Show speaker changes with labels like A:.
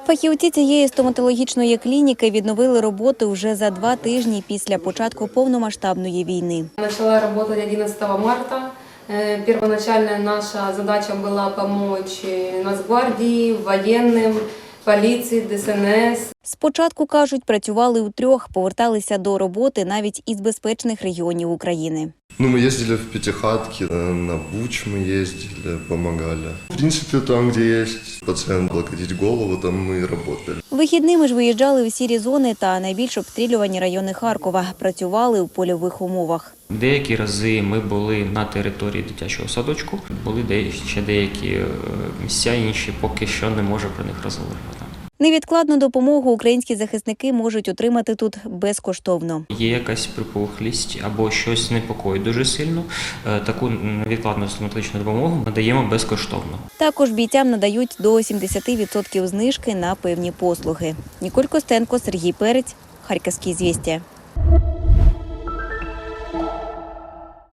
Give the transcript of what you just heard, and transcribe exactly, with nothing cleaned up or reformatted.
A: Фахівці цієї стоматологічної клініки відновили роботу вже за два тижні після початку повномасштабної війни.
B: Почала працювати одинадцятого марта. Первоначальная наша задача была помочь Нацгвардии, военным, поліції, Д С Н С.
A: Спочатку, кажуть, працювали утрьох, поверталися до роботи навіть із безпечних регіонів України.
C: Ну, мы ездили в Пятихатки, на Буч мы ездили, помогали. В принципе, там, где есть пациент, облокотить голову, там мы и работали.
A: Вихідними ж виїжджали у сірі зони та найбільш обстрілювані райони Харкова. Працювали у польових умовах.
D: Деякі рази ми були на території дитячого садочку, були ще деякі місця, інші поки що не можу про них розговорювати.
A: Невідкладну допомогу українські захисники можуть отримати тут безкоштовно.
D: Є якась припухлість або щось непокоїть дуже сильно, таку невідкладну стоматологічну допомогу надаємо безкоштовно.
A: Також бійцям надають до сімдесят відсотків знижки на певні послуги. Ніколь Костенко, Сергій Перець, Харківські звістя.